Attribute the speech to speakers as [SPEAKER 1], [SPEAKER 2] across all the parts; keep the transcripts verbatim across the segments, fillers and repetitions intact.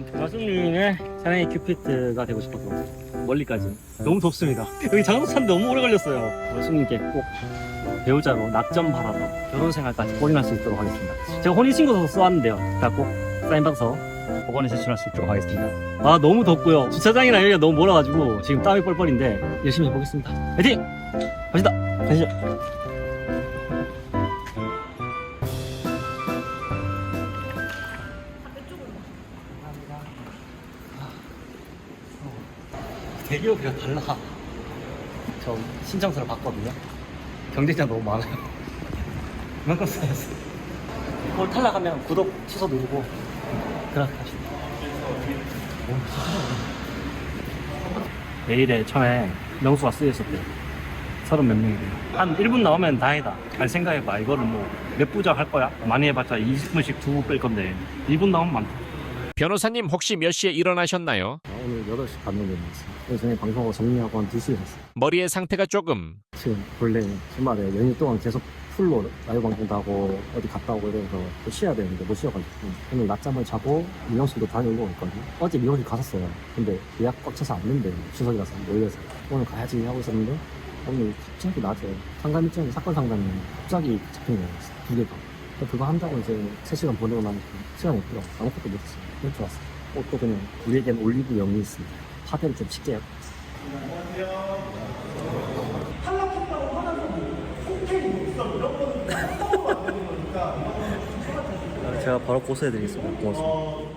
[SPEAKER 1] 마수님의 사랑의 큐피트가 되고 싶어서 멀리까지. 너무 덥습니다. 여기 장소 찾는데 너무 오래 걸렸어요. 마수님께 꼭 배우자로 낙점 받아서 결혼 생활까지 골인할 수 있도록 하겠습니다. 제가 혼인신고서 써왔는데요. 다 꼭 사인받아서 법원에 제출할 수 있도록 하겠습니다. 아 너무 덥고요. 주차장이랑 여기가 너무 멀어가지고 지금 땀이 뻘뻘인데 열심히 해보겠습니다. 화이팅! 갑시다. 가시죠. 대기업이랑 달라. 저 신청서를 봤거든요. 경쟁자 너무 많아요. 그만큼 써야지. 이걸 탈락하면 구독 취소 누르고 그렇게 합시다. 내일에 처음에 명수가 쓰였었대요. 서른 몇 명이래요. 한 일 분 나오면 다행이다. 잘 생각해봐. 이거를 뭐 몇 부작 할 거야? 많이 해봤자 이십 분씩 두 부 뺄 건데 일 분 나오면 많다.
[SPEAKER 2] 변호사님 혹시 몇 시에 일어나셨나요?
[SPEAKER 1] 오늘 여덟 시 반에 일어났어요. 그래서 저녁에 방송하고 정리하고 한 두 시에 잤어요.
[SPEAKER 2] 머리의 상태가 조금
[SPEAKER 1] 지금 원래 주말에 연휴 동안 계속 풀로 라이브 방송도 하고 어디 갔다 오고 이래서 또 쉬어야 되는데 못 쉬어가지고 오늘 낮잠을 자고 미용실도 다녀오고 있거든요. 어제 미용실 갔었어요. 근데 예약 꽉 차서 안 된대. 추석이라서 몰려서 오늘 가야지 하고 있었는데 오늘 갑자기 낮에 상담 일정이 사건 상담이 갑자기 잡힌 거예요. 두 개가. 그거 한다고 이제 세 시간 보내고 나니까 시간이 없더라고. 아무것도 못했어요. 그럴 줄 알았어요. 옷도 그냥 우리에겐 올리브영이 있습니다. 파데를 좀 쉽게 해요. 제가 바로 고소해드리겠습니다. 고맙습니다.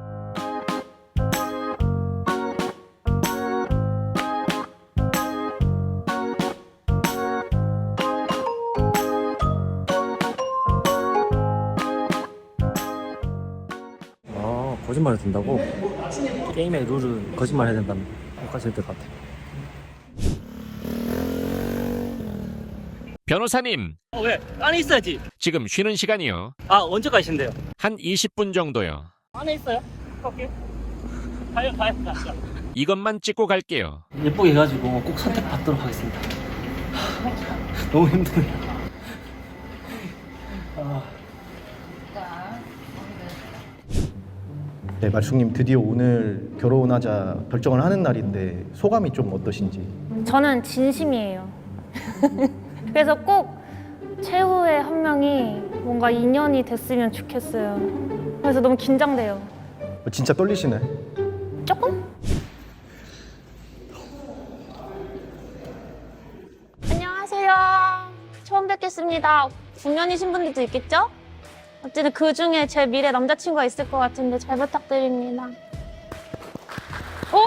[SPEAKER 1] 아, 거짓말을 된다고? 게임의 룰은 거짓말 해야 된다는 것까지 될 것 같아요.
[SPEAKER 2] 변호사님
[SPEAKER 1] 어, 왜? 안에 있어야지.
[SPEAKER 2] 지금 쉬는 시간이요.
[SPEAKER 1] 아, 언제 가신대요?
[SPEAKER 2] 한 이십 분 정도요.
[SPEAKER 1] 안에 있어요? 갈게요. 가요, 가요, 가요.
[SPEAKER 2] 이것만 찍고 갈게요.
[SPEAKER 1] 예쁘게 해가지고 꼭 선택받도록 하겠습니다. 너무 힘드네요. 아.
[SPEAKER 3] 네, 말숙님 드디어 오늘 결혼하자 결정을 하는 날인데 소감이 좀 어떠신지?
[SPEAKER 4] 저는 진심이에요. 그래서 꼭 최후의 한 명이 뭔가 인연이 됐으면 좋겠어요. 그래서 너무 긴장돼요.
[SPEAKER 3] 진짜 떨리시네.
[SPEAKER 4] 조금? 안녕하세요. 처음 뵙겠습니다. 중년이신 분들도 있겠죠? 어쨌든 그 중에 제 미래 남자친구가 있을 것 같은데 잘 부탁드립니다. 오!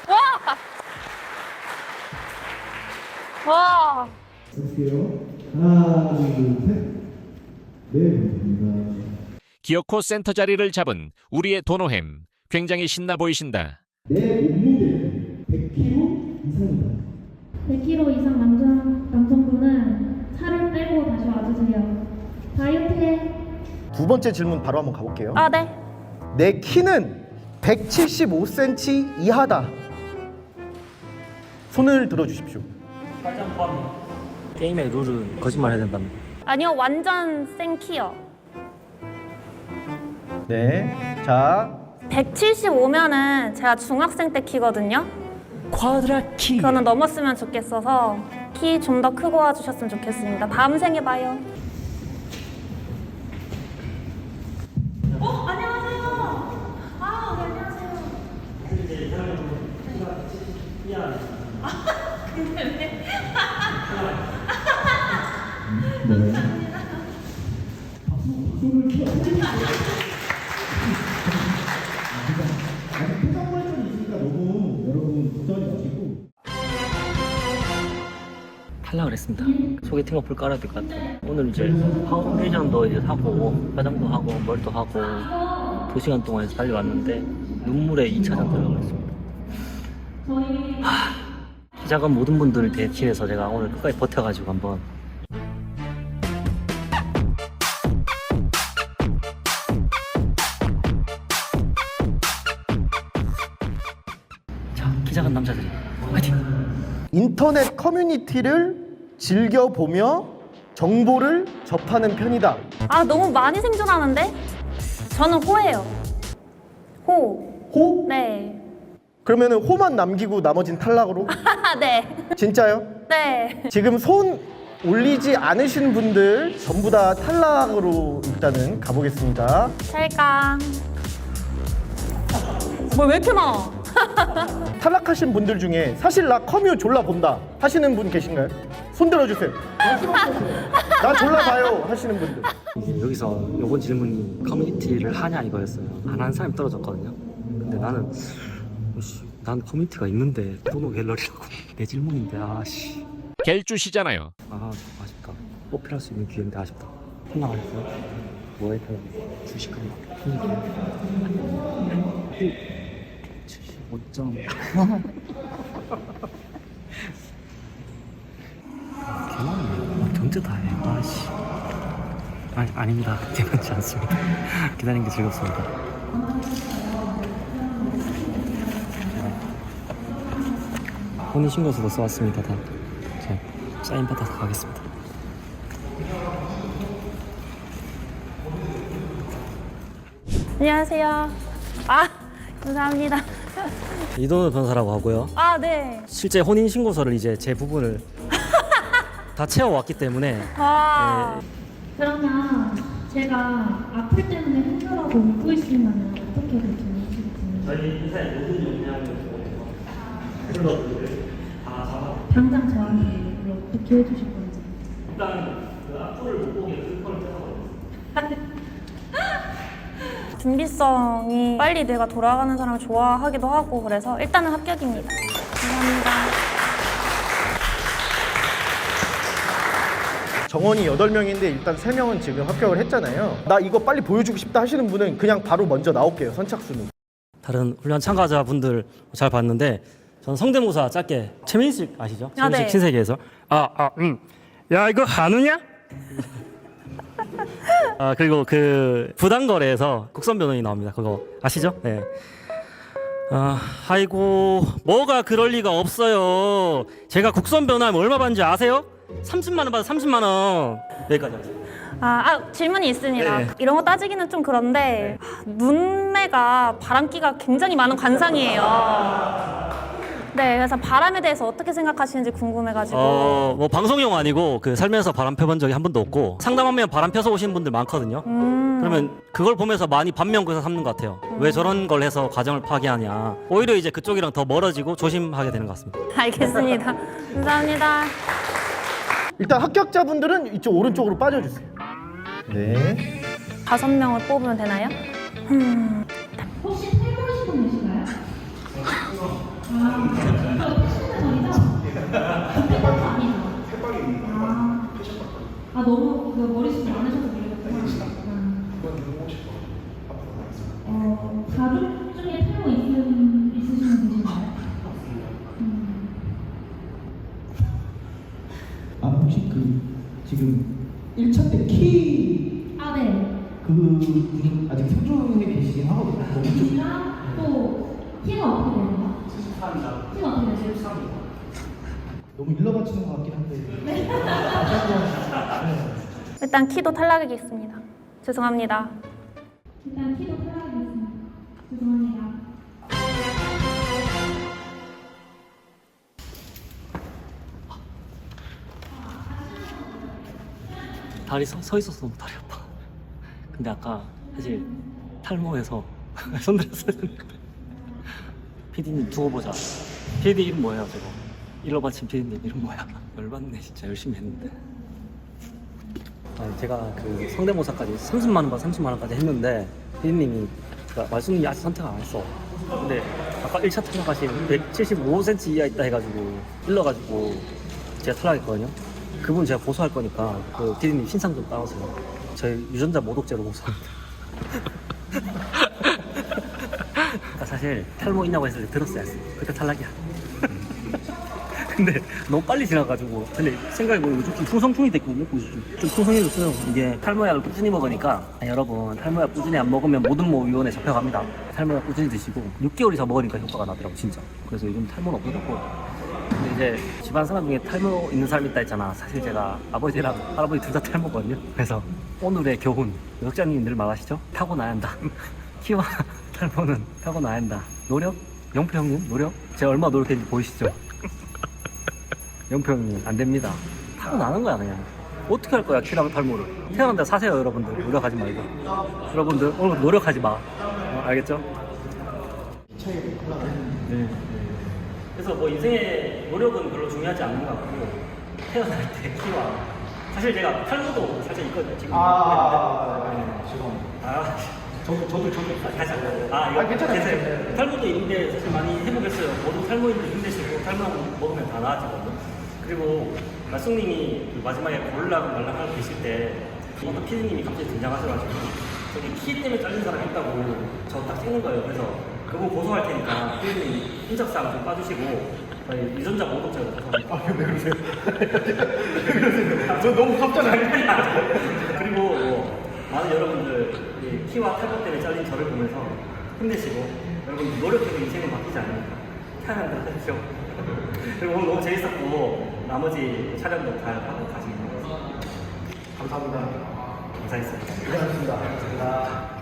[SPEAKER 4] 와! 와!
[SPEAKER 5] 볼게요. 하나, 둘, 셋. 네, 감사합니다.
[SPEAKER 2] 기어코 센터 자리를 잡은 우리의 도노햄. 굉장히 신나 보이신다.
[SPEAKER 5] 내 몸무게는 백 킬로그램 이상이다.
[SPEAKER 6] 백 킬로그램 이상 남자, 남성분은 살을 빼고 다시 와주세요. 다이어트해.
[SPEAKER 3] 두 번째 질문 바로 한번 가볼게요.
[SPEAKER 4] 아, 네.
[SPEAKER 3] 내 키는 백칠십오 센티미터 이하다. 손을 들어주십시오.
[SPEAKER 1] 빨장 포함. 게임의 룰은 거짓말 해야 된다는 거.
[SPEAKER 4] 아니요, 완전 생키요.
[SPEAKER 3] 네, 자
[SPEAKER 4] 백칠십오면은 제가 중학생 때 키거든요.
[SPEAKER 1] 쿼드라 키.
[SPEAKER 4] 그거는 넘었으면 좋겠어서 키 좀 더 크고 와주셨으면 좋겠습니다. 다음 생에 봐요. 어, 안녕하세요. 아, 네, 안녕하세요. 아, 근데 왜?
[SPEAKER 5] 아직 표정 발전이 있으니까 너무 여러분 걱정하지 마시고.
[SPEAKER 1] 탈락을 했습니다. 소개팅 어플 깔아야 될 것 같아요. 오늘 이제 파운데이션도 이제 사고 화장도 하고 머리도 하고 두 시간 동안 해서 달려왔는데 눈물에 이 차전 들어가고 있습니다. 하, 키 작은 모든 분들을 대신해서 제가 오늘 끝까지 버텨가지고 한번 자, 키 작은 남자들이 화이팅!
[SPEAKER 3] 인터넷 커뮤니티를 즐겨보며 정보를 접하는 편이다.
[SPEAKER 4] 아, 너무 많이 생존하는데? 저는 호예요. 호.
[SPEAKER 3] 호?
[SPEAKER 4] 네.
[SPEAKER 3] 그러면은 호만 남기고 나머진 탈락으로?
[SPEAKER 4] 네.
[SPEAKER 3] 진짜요?
[SPEAKER 4] 네.
[SPEAKER 3] 지금 손 올리지 않으신 분들 전부 다 탈락으로 일단은 가보겠습니다.
[SPEAKER 4] 찰강. 뭘 왜 이렇게 많아?
[SPEAKER 3] 탈락하신 분들 중에 사실 나 커뮤 졸라 본다 하시는 분 계신가요? 손 들어주세요. 나 졸라 봐요 하시는 분들.
[SPEAKER 1] 이게 여기서 이번 질문이 커뮤니티를 하냐 이거였어요. 안 하는 사람이 떨어졌거든요. 근데 나는 씨, 난 커뮤니티가 있는데 도노 갤러리라고 내 질문인데 아씨
[SPEAKER 2] 갤주시잖아요.
[SPEAKER 1] 아 아쉽다. 뽑힐 수 있는 기회인데 아쉽다. 생각하셨어요? 뭐에 따라 주식은 칠십오 점 개많네. 경제 다 해. 아씨. 아니 아닙니다. 괜찮지 않습니다. 기다리는 게 즐겁습니다. 혼인신고서도 써왔습니다. 다. 자, 사인 받아서 가겠습니다.
[SPEAKER 4] 안녕하세요. 아, 감사합니다.
[SPEAKER 1] 이동우 변호사라고 하고요.
[SPEAKER 4] 아, 네.
[SPEAKER 1] 실제 혼인신고서를 이제 제 부분을 다 채워왔기 때문에
[SPEAKER 4] 와.
[SPEAKER 6] 그러면 제가 아플 때문에 힘들어하고 웃고 있으면 어떻게 결정하시겠어요?
[SPEAKER 1] 저희 회사의 모든 역량을 클럽들을 다 잡아.
[SPEAKER 6] 당장 저한테 어떻게 해주실 건지.
[SPEAKER 1] 일단 그 악플을 못 보게 슬퍼를 떼서
[SPEAKER 4] 준비성이 빨리 내가 돌아가는 사람을 좋아하기도 하고 그래서 일단은 합격입니다. 감사합니다.
[SPEAKER 3] 정원이 여덟 명인데 일단 세 명은 지금 합격을 했잖아요. 나 이거 빨리 보여주고 싶다 하시는 분은 그냥 바로 먼저 나올게요. 선착순으로.
[SPEAKER 1] 다른 훈련 참가자분들 잘 봤는데 저는 성대모사 짧게 최민식 아시죠?
[SPEAKER 4] 아,
[SPEAKER 1] 최민식
[SPEAKER 4] 네.
[SPEAKER 1] 신세계에서 아아 음. 야 이거 한우냐? 아 그리고 그 부당거래에서 국선 변호인이 나옵니다. 그거 아시죠? 네. 아 아이고 뭐가 그럴 리가 없어요. 제가 국선 변호하면 얼마 받는지 아세요? 삼십만 원 받아 삼십만 원. 여기까지 하겠습니다.
[SPEAKER 4] 아, 아, 질문이 있습니다.
[SPEAKER 1] 네.
[SPEAKER 4] 이런 거 따지기는 좀 그런데 아, 눈매가 바람기가 굉장히 많은 관상이에요. 네, 그래서 바람에 대해서 어떻게 생각하시는지 궁금해가지고.
[SPEAKER 1] 어, 뭐 방송용 아니고 그 살면서 바람 펴본 적이 한 번도 없고 상담하면 바람 펴서 오시는 분들 많거든요.
[SPEAKER 4] 음.
[SPEAKER 1] 그러면 그걸 보면서 많이 반면교사 삼는 것 같아요. 왜 저런 걸 해서 가정을 파괴하냐. 오히려 이제 그쪽이랑 더 멀어지고 조심하게 되는 것 같습니다.
[SPEAKER 4] 알겠습니다. 감사합니다.
[SPEAKER 3] 일단 합격자분들은 이쪽 오른쪽으로 빠져주세요. 네.
[SPEAKER 4] 다섯 명을 뽑으면 되나요? 음.
[SPEAKER 6] 혹시 탈모하신 분 계신가요? 아, 이거 패션은 아니죠? 패션도 아니죠? 아, 아 너무 그 머리숱이 많으셔서 그러겠구나. 어, 가족 중에 탈모 있으신, 있으신 분 계신가요? 음.
[SPEAKER 5] 아 혹시 그 지금 일 차 때 키
[SPEAKER 6] 아, 네.
[SPEAKER 5] 그분이 아직 생존해 계시긴 하거든요. 너무 좀
[SPEAKER 6] 이랑 또 키가 어떻게 되나요? 키가 어떻게 되세요?
[SPEAKER 5] 너무 일러 바치는 것 같긴 한데. 다시 한번.
[SPEAKER 4] 일단 키도 탈락이겠습니다. 죄송합니다.
[SPEAKER 6] 일단 키도 탈락하겠습니다. 죄송합니다.
[SPEAKER 1] 다리 서, 서 있어서 너무 다리 아파. 근데 아까 사실 탈모해서 손들었어야 되는데. 피디님 두고 보자. 피디 이름 뭐예요 저거? 일러 바친 피디님 이름 뭐야? 열받네 진짜 열심히 했는데. 아니 제가 그 성대모사까지 삼십만 원 바 삼십만 원까지 했는데 피디님이 그러니까 말씀이 아직 선택을 안 했어. 근데 아까 일 차 탈락하신 백칠십오 센티미터 이하 있다 해가지고 일러가지고 제가 탈락했거든요. 그분 제가 고소할 거니까 그 피디님 신상 좀 따오세요. 저희 유전자 모독죄로 고소합니다. 나 사실 탈모 있냐고 했을 때 들었어야 했어. 그때 탈락이야. 근데 너무 빨리 지나가지고 근데 생각해보면 요즘 좀 풍성풍이 됐거든요. 좀, 좀 풍성해졌어요. 이게 탈모약을 꾸준히 먹으니까 아, 여러분 탈모약 꾸준히 안 먹으면 모든 모위원회 잡혀갑니다. 탈모약 꾸준히 드시고 육 개월 이상 먹으니까 효과가 나더라고 진짜. 그래서 요즘 탈모는 없어졌고 근데 이제 집안 사람 중에 탈모 있는 사람 있다 했잖아. 사실 제가 아버지랑 할아버지 둘 다 탈모거든요. 그래서 오늘의 교훈, 역장님 늘 말하시죠? 타고나야 한다. 키와 탈모는 타고나야 한다. 노력? 영표 형님 노력? 제가 얼마나 노력했는지 보이시죠? 영표 형님 안 됩니다. 타고나는 거야 그냥. 어떻게 할 거야 키랑 탈모를. 태어난다 사세요 여러분들. 노력하지 말고. 여러분들 오늘 노력하지 마. 어, 알겠죠? 네. 그래서 뭐 인생의 노력은 별로 중요하지 않는 것 같고 태어날 때 키와 사실 제가 탈모도 살짝 있거든요 지금.
[SPEAKER 5] 아, 죄송합니다.
[SPEAKER 1] 아,
[SPEAKER 5] 저도, 저도, 저도.
[SPEAKER 1] 아, 다시 한 번. 아, 이거
[SPEAKER 3] 아, 괜찮아요.
[SPEAKER 1] 괜찮아요. 탈모도 있는데 사실 많이 회복했어요. 모두 탈모인데 힘내시고 탈모 먹으면 다 나아지거든요. 그리고 말숙님이 그 마지막에 고르라고 말랑하고 계실 때 어떤 피디님이 갑자기 등장하셔가지고 저기 키 때문에 잘린 사람 있다고 저 딱 찍는 거예요. 그래서 그거 고소할 테니까 피디님 인적사항 좀 빠주시고 저희 유전자 모독죄로 고소합니다.
[SPEAKER 3] 아, 왜 그러세요? 왜 그러세요? 저 너무 깜짝이야.
[SPEAKER 1] 그리고 뭐 많은 여러분들 이 키와 탈모 때문에 잘린 저를 보면서 힘내시고 여러분 노력해도 인생은 바뀌지 않으니까 태어난다 하십시오. 그리고 오늘 너무 재밌었고 나머지 촬영도 잘 하고 가시면
[SPEAKER 3] 감사합니다.
[SPEAKER 1] 감사했습니다.
[SPEAKER 3] 고생하셨습니다. 감사합니다.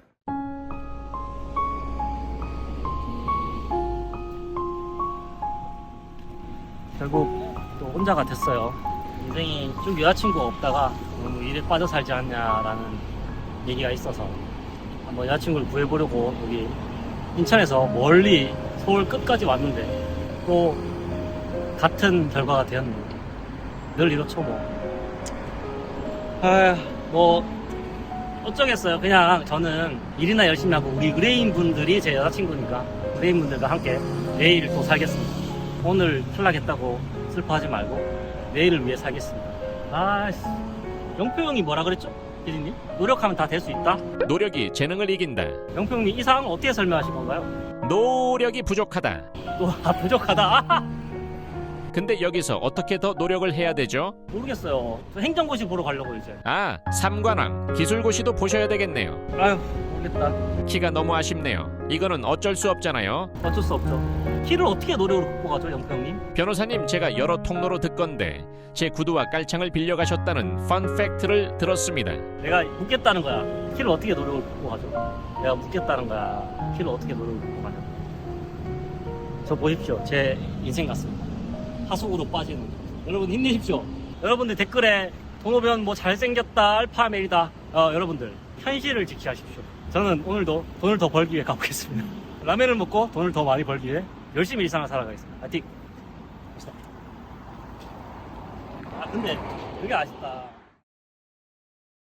[SPEAKER 1] 결국 또 혼자가 됐어요. 인생이 쭉 여자친구가 없다가 너무 일에 빠져 살지 않냐라는 얘기가 있어서 한번 여자친구를 구해보려고 여기 인천에서 멀리 서울 끝까지 왔는데 또 같은 결과가 되었네요. 늘 이렇죠 뭐. 아휴 뭐 어쩌겠어요. 그냥 저는 일이나 열심히 하고 우리 의뢰인 분들이 제 여자친구니까 의뢰인 분들과 함께 내일 또 살겠습니다. 오늘 탈락했다고 슬퍼하지 말고 내일을 위해 살겠습니다. 아씨 영표 형이 뭐라 그랬죠? 피디님? 노력하면 다 될 수 있다?
[SPEAKER 2] 노력이 재능을 이긴다.
[SPEAKER 1] 영표 형님 이 상황을 어떻게 설명하신 건가요?
[SPEAKER 2] 노력이 부족하다.
[SPEAKER 1] 또 아, 부족하다? 아,
[SPEAKER 2] 근데 여기서 어떻게 더 노력을 해야 되죠?
[SPEAKER 1] 모르겠어요. 저 행정고시 보러 가려고 이제.
[SPEAKER 2] 아, 삼관왕 기술고시도 보셔야 되겠네요.
[SPEAKER 1] 아휴 모르겠다.
[SPEAKER 2] 키가 너무 아쉽네요. 이거는 어쩔 수 없잖아요.
[SPEAKER 1] 어쩔 수 없죠. 키를 어떻게 노력으로 극복하죠 영표 형님?
[SPEAKER 2] 변호사님, 제가 여러 통로로 듣건데 제 구두와 깔창을 빌려가셨다는 펀 팩트를 들었습니다.
[SPEAKER 1] 내가 묻겠다는 거야. 키를 어떻게 노력을 극복하죠? 내가 묻겠다는 거야. 키를 어떻게 노력을 극복하냐? 저 보십시오. 제 인생 같습니다. 하속으로 빠지는. 여러분 힘내십시오. 여러분들 댓글에 동호변 뭐 잘생겼다, 알파메이다. 어, 여러분들 현실을 지키십시오. 저는 오늘도 돈을 더 벌기 위해 가보겠습니다. 라면을 먹고 돈을 더 많이 벌기 위해 열심히 일상을 살아가겠습니다. 파이팅! 아 근데 그게 아쉽다.